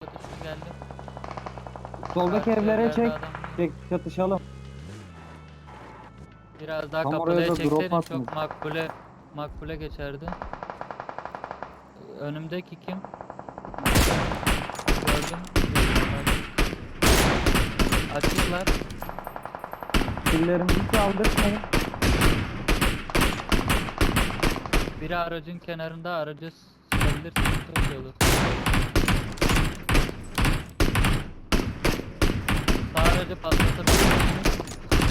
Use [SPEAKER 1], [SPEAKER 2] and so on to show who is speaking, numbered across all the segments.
[SPEAKER 1] çatışma geldi.
[SPEAKER 2] Soldaki
[SPEAKER 1] Karşı
[SPEAKER 2] evlere
[SPEAKER 1] evlerde
[SPEAKER 2] çek.
[SPEAKER 1] adam değil.
[SPEAKER 2] Çek, çatışalım.
[SPEAKER 1] Biraz daha
[SPEAKER 2] Tam oraya
[SPEAKER 1] kapıya
[SPEAKER 2] da drop
[SPEAKER 1] çekseydin
[SPEAKER 2] atmış.
[SPEAKER 1] çok makbule geçerdi. Önümdeki kim? Gördüm. Açıklar.
[SPEAKER 2] Killerimizi çaldırmayın.
[SPEAKER 1] Biri aracın kenarında, aracı sıkabilirsiniz, çok iyi olur. Sağ aracı patlatabilirsiniz.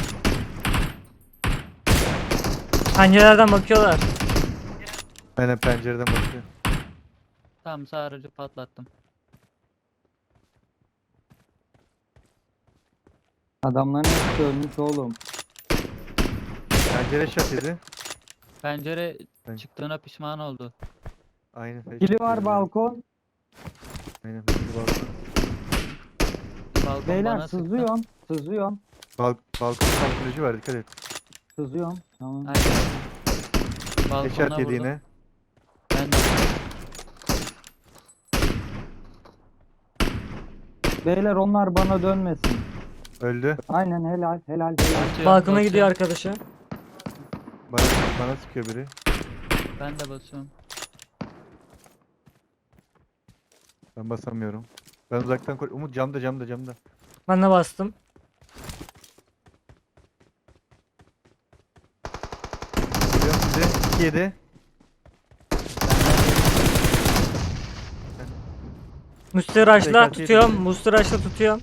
[SPEAKER 3] Pencerelerden bakıyorlar.
[SPEAKER 4] Aynen pencereden bakıyor.
[SPEAKER 1] Tamam, sağ aracı patlattım.
[SPEAKER 2] Adamların hepsi ölmüş oğlum.
[SPEAKER 4] Pencere şat yedi.
[SPEAKER 1] Pencere
[SPEAKER 4] Evet.
[SPEAKER 1] çıktığına pişman oldu.
[SPEAKER 4] Aynen.
[SPEAKER 2] Kili var balkon.
[SPEAKER 4] Aynen. Balkon.
[SPEAKER 1] Balkon
[SPEAKER 2] Beyler
[SPEAKER 1] bana sıktı.
[SPEAKER 2] sızıyorum. Sızıyorum.
[SPEAKER 4] Balkon kamuflajı var, dikkat et.
[SPEAKER 2] Sızıyorum. Tamam.
[SPEAKER 1] Aynen. Balkona
[SPEAKER 4] Headshot yedi
[SPEAKER 1] vurdum.
[SPEAKER 4] yine.
[SPEAKER 1] Ben de.
[SPEAKER 2] Beyler onlar bana dönmesin.
[SPEAKER 4] Öldü.
[SPEAKER 2] Aynen helal helal helal.
[SPEAKER 1] Basıyorum,
[SPEAKER 3] Balkona
[SPEAKER 1] basıyorum.
[SPEAKER 3] gidiyor arkadaşı.
[SPEAKER 4] Bana, bana sıkıyor biri.
[SPEAKER 1] Ben de basıyorum.
[SPEAKER 4] Ben basamıyorum. Ben uzaktan koy. Umut camda.
[SPEAKER 3] Ben de bastım.
[SPEAKER 4] Geliyorum size. 2 yedi.
[SPEAKER 3] Mustiraçla
[SPEAKER 4] Tekrar
[SPEAKER 3] tutuyorum.
[SPEAKER 4] yedi.
[SPEAKER 3] Mustiraçla tutuyorum.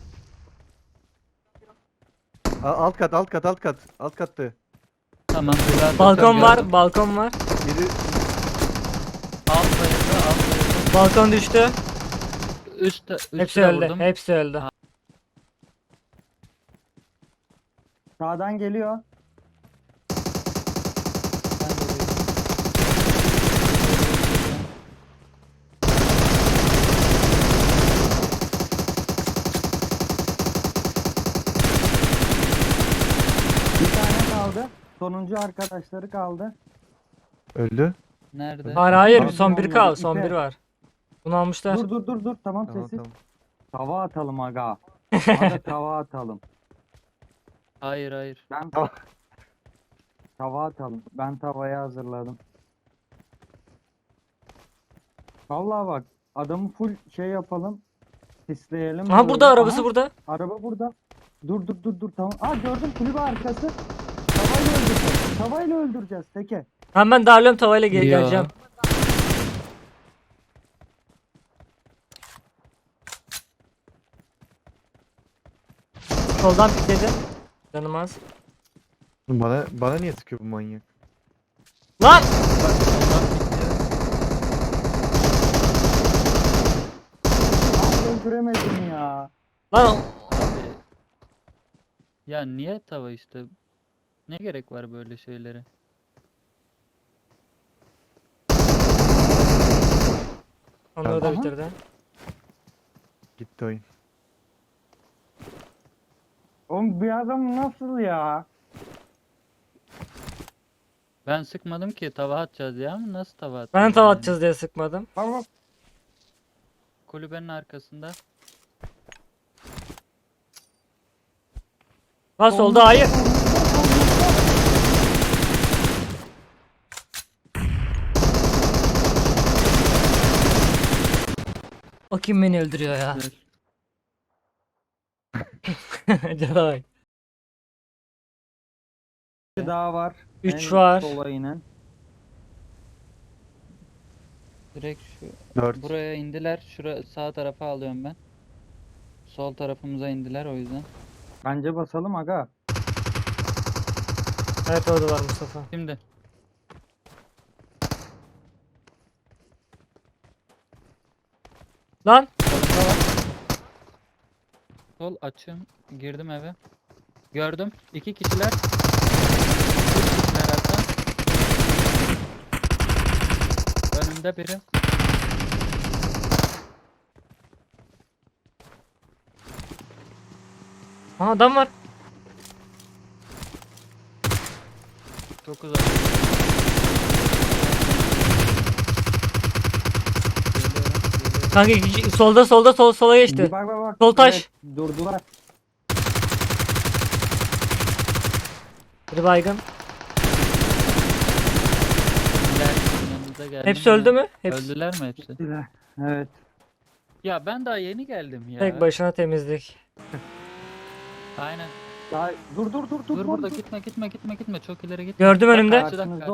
[SPEAKER 4] Alt kat. Alt kattı.
[SPEAKER 1] Tamam. Güzel
[SPEAKER 3] Balkon var.
[SPEAKER 1] gördüm.
[SPEAKER 3] Balkon var.
[SPEAKER 4] Biri
[SPEAKER 1] Alt bayıldı.
[SPEAKER 3] Balkon düştü.
[SPEAKER 1] Üstte
[SPEAKER 3] Hepsi
[SPEAKER 1] de
[SPEAKER 3] öldü.
[SPEAKER 1] vurdum.
[SPEAKER 3] Hepsi öldü.
[SPEAKER 2] Sağdan geliyor.
[SPEAKER 1] Ben de vurdum.
[SPEAKER 2] Bir tane kaldı. Sonuncu arkadaşları kaldı.
[SPEAKER 4] öldü.
[SPEAKER 1] Nerede?
[SPEAKER 3] Hayır.
[SPEAKER 2] Tamam,
[SPEAKER 3] Son biri kaldı. Son
[SPEAKER 2] ipe.
[SPEAKER 3] biri var. Bunu almışlar.
[SPEAKER 2] Dur. Tamam,
[SPEAKER 4] Tamam
[SPEAKER 2] sessiz.
[SPEAKER 4] tamam.
[SPEAKER 2] Tava atalım aga. Aga tava atalım.
[SPEAKER 1] Hayır.
[SPEAKER 2] Ben tava atalım. Ben tavayı hazırladım. Vallahi bak adamı full şey yapalım. Sisleyelim.
[SPEAKER 3] Aha
[SPEAKER 2] böyle.
[SPEAKER 3] burada arabası
[SPEAKER 2] Aha,
[SPEAKER 3] burada.
[SPEAKER 2] araba burada. Dur tamam. Aa gördüm kulübe arkası. Tavayla öldüreceğiz. Tavayla öldüreceğiz teke.
[SPEAKER 3] Hemen ben darlıyorum tavayla
[SPEAKER 1] Yo.
[SPEAKER 3] geleceğim. Soldan pikledi. Canım az.
[SPEAKER 4] Bana niye sıkıyor bu manyak?
[SPEAKER 3] Lan!
[SPEAKER 2] Aa öldüremedim ya.
[SPEAKER 3] Lan!
[SPEAKER 1] Abi. Ya niye tava işte? Ne gerek var böyle şeylere?
[SPEAKER 3] Onları da
[SPEAKER 2] Aha.
[SPEAKER 3] bitirdi.
[SPEAKER 4] Gitti oyun.
[SPEAKER 2] Oğlum bir adam nasıl ya?
[SPEAKER 1] Ben sıkmadım ki, tava atacağız ya. Nasıl tava atacağız?
[SPEAKER 3] Ben tava
[SPEAKER 1] yani?
[SPEAKER 3] atacağız diye sıkmadım.
[SPEAKER 2] Tamam.
[SPEAKER 1] Kulübenin arkasında.
[SPEAKER 3] Lan solda hayır. O kim beni öldürüyor ya? Cana bak.
[SPEAKER 2] Bir daha var.
[SPEAKER 3] 3
[SPEAKER 2] En
[SPEAKER 3] var.
[SPEAKER 2] sola inen.
[SPEAKER 1] Direkt şu
[SPEAKER 4] 4.
[SPEAKER 1] buraya indiler. Şura sağ tarafa alıyorum ben. Sol tarafımıza indiler o yüzden.
[SPEAKER 2] Bence basalım aga.
[SPEAKER 3] Evet orada var Mustafa.
[SPEAKER 1] Şimdi
[SPEAKER 3] Lan!
[SPEAKER 1] solunda var. Sol açım. Girdim eve. Gördüm. 2 kişiler. 3 kişiler hatta. Önümde biri.
[SPEAKER 3] Aha adam var.
[SPEAKER 1] Çok uzak. Geliyorum.
[SPEAKER 3] Kanka sola geçti.
[SPEAKER 2] Bak.
[SPEAKER 3] Sol taş.
[SPEAKER 2] Evet, durdular.
[SPEAKER 3] Bir baygın.
[SPEAKER 1] Geldim, yanınıza geldim.
[SPEAKER 3] Hepsi öldü mü? Hepsi.
[SPEAKER 1] Öldüler mi hepsi?
[SPEAKER 2] Evet.
[SPEAKER 1] Ya ben daha yeni geldim ya.
[SPEAKER 3] Tek başına temizlik.
[SPEAKER 1] Aynen.
[SPEAKER 2] Ya, dur.
[SPEAKER 1] Dur burada gitme. Çok ileri gitme.
[SPEAKER 3] Gördüm
[SPEAKER 1] Bak,
[SPEAKER 3] önümde.
[SPEAKER 1] Karşıda.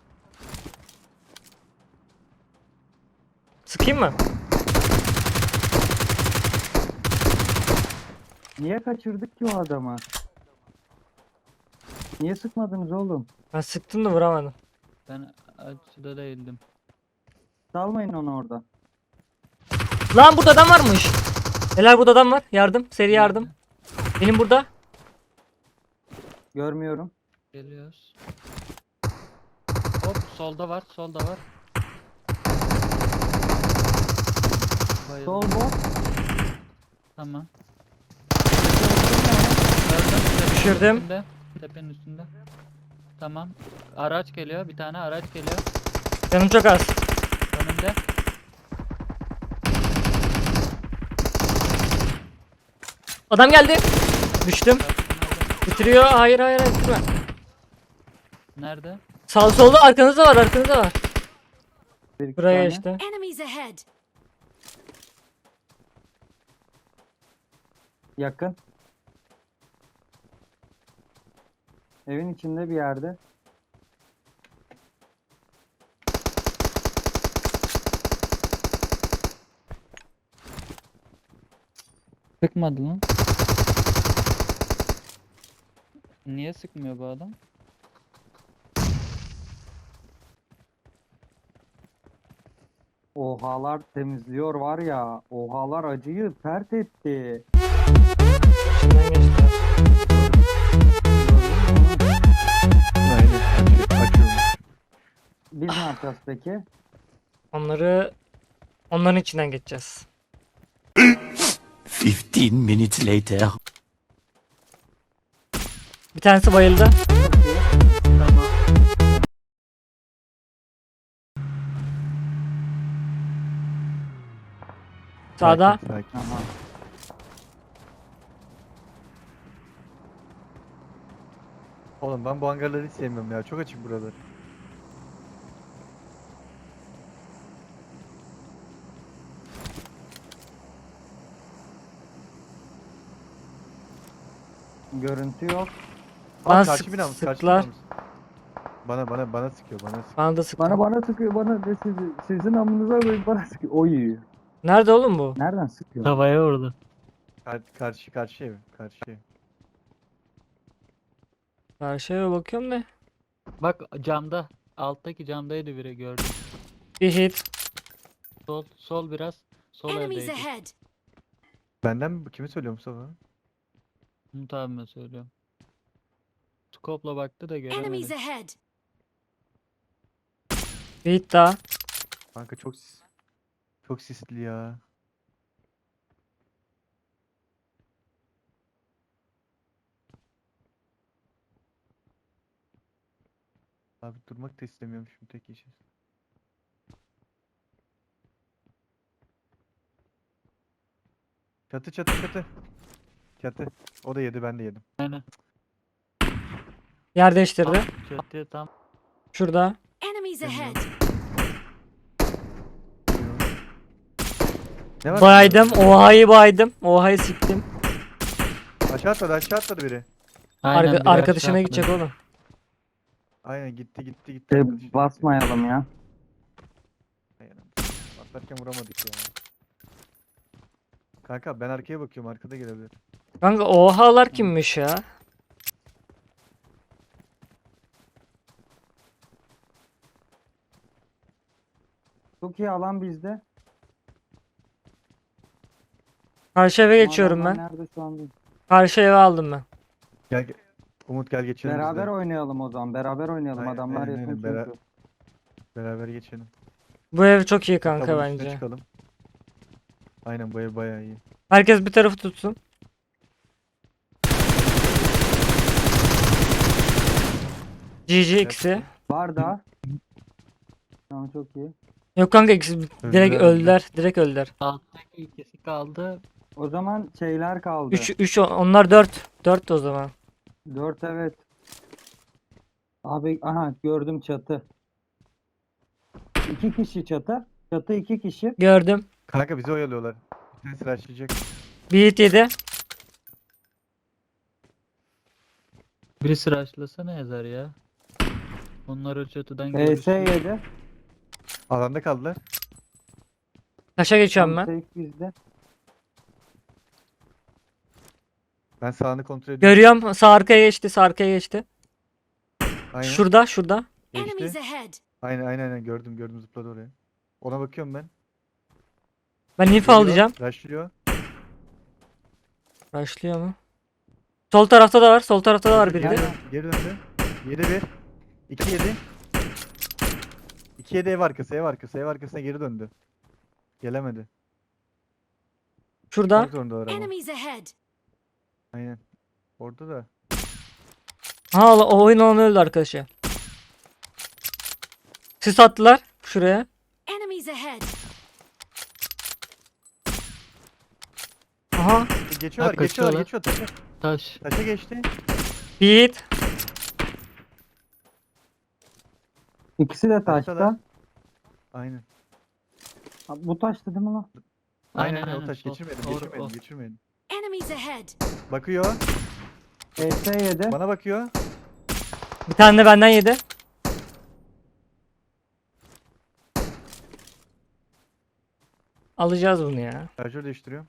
[SPEAKER 3] Sıkayım mı?
[SPEAKER 2] Niye kaçırdık ki o adamı? Niye sıkmadınız oğlum?
[SPEAKER 3] Ben sıktım da vuramadım.
[SPEAKER 1] Ben açıda değildim.
[SPEAKER 2] Salmayın onu orada.
[SPEAKER 3] Lan burada adam varmış. Neler burada adam var? Yardım. Seri yardım. Benim burada.
[SPEAKER 2] Görmüyorum.
[SPEAKER 1] Geliyoruz. Hop solda var. Bayıldım.
[SPEAKER 2] Sol bot.
[SPEAKER 1] Tamam.
[SPEAKER 3] Düşürdüm.
[SPEAKER 1] Tepenin üstünde. Tamam. Araç geliyor. Bir tane araç geliyor.
[SPEAKER 3] Canım çok az.
[SPEAKER 1] Önümde.
[SPEAKER 3] Adam geldi. Düştüm. Bitiriyor. Hayır bitirme.
[SPEAKER 1] Nerede?
[SPEAKER 3] Sağ solda arkanızda var.
[SPEAKER 2] Bir iki
[SPEAKER 3] Buraya
[SPEAKER 2] tane.
[SPEAKER 3] işte.
[SPEAKER 5] Enemies ahead!
[SPEAKER 2] Yakın. Evin içinde bir yerde.
[SPEAKER 1] Sıkmadı lan. Niye sıkmıyor bu adam?
[SPEAKER 2] Ohalar temizliyor var ya. Ohalar acıyı pert etti.
[SPEAKER 3] İçinden geçti.
[SPEAKER 4] Aynen. Açıyorum.
[SPEAKER 2] Biz ne yapacağız peki?
[SPEAKER 3] Onların içinden geçeceğiz.
[SPEAKER 6] 15 minutes later.
[SPEAKER 3] Bir tanesi bayıldı.
[SPEAKER 2] Çok iyi. Tamam.
[SPEAKER 3] Sağda.
[SPEAKER 4] Sakin.
[SPEAKER 2] Tamam.
[SPEAKER 4] Oğlum ben bu hangarları hiç sevmiyorum ya. Çok açık buralar.
[SPEAKER 2] Görüntü yok.
[SPEAKER 3] Bana
[SPEAKER 4] Karşı binamız, karşı
[SPEAKER 3] sıktılar.
[SPEAKER 4] binamız. Bana sıkıyor, bana sıkıyor.
[SPEAKER 3] Bana da sıktı.
[SPEAKER 2] Bana sıkıyor bana de sizin amınıza koyup bana sıkıyor. Oy.
[SPEAKER 3] Nerede oğlum bu?
[SPEAKER 2] Nereden sıkıyor?
[SPEAKER 1] Havaya vurdu.
[SPEAKER 4] Karşı ev, karşı ev.
[SPEAKER 3] Karşıya bakıyorum da.
[SPEAKER 1] Bak camda. Alttaki camdaydı biri gördüm.
[SPEAKER 3] Bir hit.
[SPEAKER 1] Sol biraz. Sol
[SPEAKER 5] Enemies
[SPEAKER 1] evdeydi.
[SPEAKER 5] ahead!
[SPEAKER 4] Benden mi? Kimi söylüyor Mustafa?
[SPEAKER 1] Umut abime söylüyorum. Scope'la baktı da
[SPEAKER 5] Enemies
[SPEAKER 1] göremedi.
[SPEAKER 5] ahead!
[SPEAKER 3] Bir hit daha.
[SPEAKER 4] Kanka çok sisli ya. Abi durmak da istemiyorum şimdi tek işi. Çatı. Çatı. O da yedi, ben de yedim.
[SPEAKER 1] Aynen.
[SPEAKER 3] Yer değiştirdi.
[SPEAKER 1] Çatıya tam.
[SPEAKER 3] Şurada.
[SPEAKER 5] Enemies ahead!
[SPEAKER 4] Ne var?
[SPEAKER 3] Baydım. Oha'yı siktim.
[SPEAKER 4] Aşağı atladı biri.
[SPEAKER 1] Aynen, biri
[SPEAKER 3] Arkadaşına
[SPEAKER 1] aşağı
[SPEAKER 3] gidecek
[SPEAKER 1] atladı.
[SPEAKER 3] oğlum.
[SPEAKER 4] Aynen gitti. Arkadaşı.
[SPEAKER 2] Basmayalım ya.
[SPEAKER 4] Aynen. Atlarken vuramadık ya. Kanka ben arkaya bakıyorum, arkada gelebilir.
[SPEAKER 3] Kanka Oha'lar kimmiş ya?
[SPEAKER 2] Çok iyi alan bizde.
[SPEAKER 3] Karşı eve
[SPEAKER 2] Ama
[SPEAKER 3] geçiyorum
[SPEAKER 2] adamlar
[SPEAKER 3] ben.
[SPEAKER 2] Nerede şu an değil.
[SPEAKER 3] Karşı eve aldım ben.
[SPEAKER 4] Gel. Umut gel geçelim biz de.
[SPEAKER 2] Beraber oynayalım o zaman. Beraber oynayalım.
[SPEAKER 4] Aynen,
[SPEAKER 2] Adamlar
[SPEAKER 4] aynen,
[SPEAKER 2] yakın
[SPEAKER 4] aynen.
[SPEAKER 2] çünkü.
[SPEAKER 3] Beraber
[SPEAKER 4] geçelim.
[SPEAKER 3] Bu ev çok iyi kanka
[SPEAKER 4] Tabanın üstüne
[SPEAKER 3] bence.
[SPEAKER 4] çıkalım. Aynen bu ev bayağı iyi.
[SPEAKER 3] Herkes bir tarafı tutsun. GG ikisi.
[SPEAKER 2] Var da. Tamam çok iyi.
[SPEAKER 3] Yok kanka ikisi direkt
[SPEAKER 4] Öldüler,
[SPEAKER 3] öldüler. Direkt öldüler.
[SPEAKER 1] Alttaki ikisi kaldı.
[SPEAKER 2] O zaman şeyler kaldı.
[SPEAKER 3] 3 onlar 4. 4 o zaman.
[SPEAKER 2] 4 evet. Abi aha gördüm çatı. 2 kişi çatı. Çatı 2 kişi.
[SPEAKER 3] Gördüm.
[SPEAKER 4] Kanka bizi oyalıyorlar. Bir tanesi rushlayacak.
[SPEAKER 3] Bir hit yedi.
[SPEAKER 1] Birisi rushlasana yazar ya. Onlar o çatıdan
[SPEAKER 2] PS
[SPEAKER 1] görüşüyor.
[SPEAKER 2] 7.
[SPEAKER 3] Şey
[SPEAKER 4] Alanda kaldılar.
[SPEAKER 3] Taşa geçiyorum ben.
[SPEAKER 2] Safe bizde.
[SPEAKER 4] Ben sağını kontrol ediyorum.
[SPEAKER 3] Görüyorum. Sağ arkaya geçti. Sağ arkaya geçti.
[SPEAKER 4] Aynen.
[SPEAKER 3] Şurada.
[SPEAKER 5] Enemies
[SPEAKER 4] Geçti.
[SPEAKER 5] ahead.
[SPEAKER 4] Aynen gördüm zıpladı oraya. Ona bakıyorum ben.
[SPEAKER 3] Ben info
[SPEAKER 4] Geliyor,
[SPEAKER 3] alacağım.
[SPEAKER 4] Rushlıyor.
[SPEAKER 3] Başlıyor mu? Sol tarafta da var. Sol tarafta da var biri de.
[SPEAKER 2] Aynen.
[SPEAKER 4] Geri döndü. 7-1. 2-7. 2-7 ev arkasına geri döndü. Gelemedi.
[SPEAKER 3] Şurada.
[SPEAKER 4] Çok zorundalar ama.
[SPEAKER 5] Enemies ahead.
[SPEAKER 4] Aynen. Orada da.
[SPEAKER 3] Ha o oyun alanı öldü arkadaşı. Sis attılar şuraya.
[SPEAKER 5] Enemies ahead.
[SPEAKER 3] Aha.
[SPEAKER 4] Geçiyorlar,
[SPEAKER 1] kaçıyorlar.
[SPEAKER 4] geçiyor taşa.
[SPEAKER 1] Taş.
[SPEAKER 4] Taşa geçti.
[SPEAKER 3] Bir hit.
[SPEAKER 2] İkisi de
[SPEAKER 4] Taştalar.
[SPEAKER 2] taşta.
[SPEAKER 4] Aynen.
[SPEAKER 2] Ha, bu taştı değil mi lan?
[SPEAKER 4] Aynen,
[SPEAKER 1] Aynen,
[SPEAKER 4] o taş
[SPEAKER 1] o,
[SPEAKER 4] geçirmedim,
[SPEAKER 1] doğru,
[SPEAKER 4] geçirmedim,
[SPEAKER 1] o.
[SPEAKER 4] geçirmedim.
[SPEAKER 5] Enemies ahead.
[SPEAKER 4] Bakıyor,
[SPEAKER 2] PS 7.
[SPEAKER 4] bana bakıyor.
[SPEAKER 3] Bir tane de benden yedi. Alacağız bunu ya.
[SPEAKER 4] Şarjör değiştiriyorum.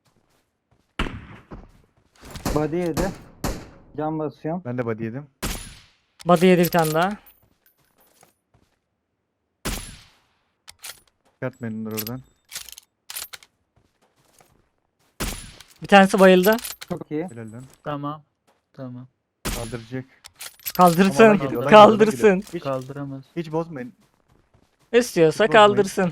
[SPEAKER 2] Body 7. Can basıyorum.
[SPEAKER 4] Ben de body yedim.
[SPEAKER 3] Body yedi bir tane daha.
[SPEAKER 4] Çıkartmayın onları oradan.
[SPEAKER 3] Bir tanesi bayıldı.
[SPEAKER 2] Çok iyi.
[SPEAKER 4] Helal lan.
[SPEAKER 1] Tamam. Tamam.
[SPEAKER 4] Kaldıracak.
[SPEAKER 3] Kaldırsın.
[SPEAKER 4] Ama ona geliyor, ona
[SPEAKER 3] Kaldırsın.
[SPEAKER 4] Hiç,
[SPEAKER 1] Kaldıramaz.
[SPEAKER 4] hiç bozmayın.
[SPEAKER 3] İstiyorsa
[SPEAKER 4] Hiç bozmayın.
[SPEAKER 3] kaldırsın.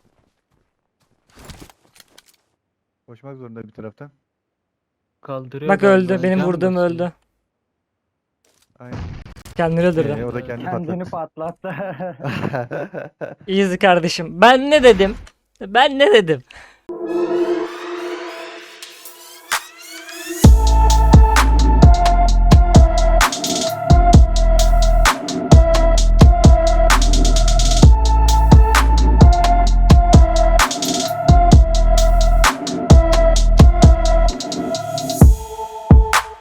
[SPEAKER 4] Koşmak zorunda bir taraftan.
[SPEAKER 1] Kaldırıyor
[SPEAKER 3] Bak
[SPEAKER 1] galiba,
[SPEAKER 3] öldü. Benim
[SPEAKER 1] can
[SPEAKER 3] vurduğum
[SPEAKER 1] basıyor.
[SPEAKER 3] öldü.
[SPEAKER 4] Aynen.
[SPEAKER 3] Kendini öldürdü.
[SPEAKER 4] O da kendi
[SPEAKER 2] Kendini
[SPEAKER 4] patlattı.
[SPEAKER 2] patlattı.
[SPEAKER 3] Easy kardeşim. Ben ne dedim?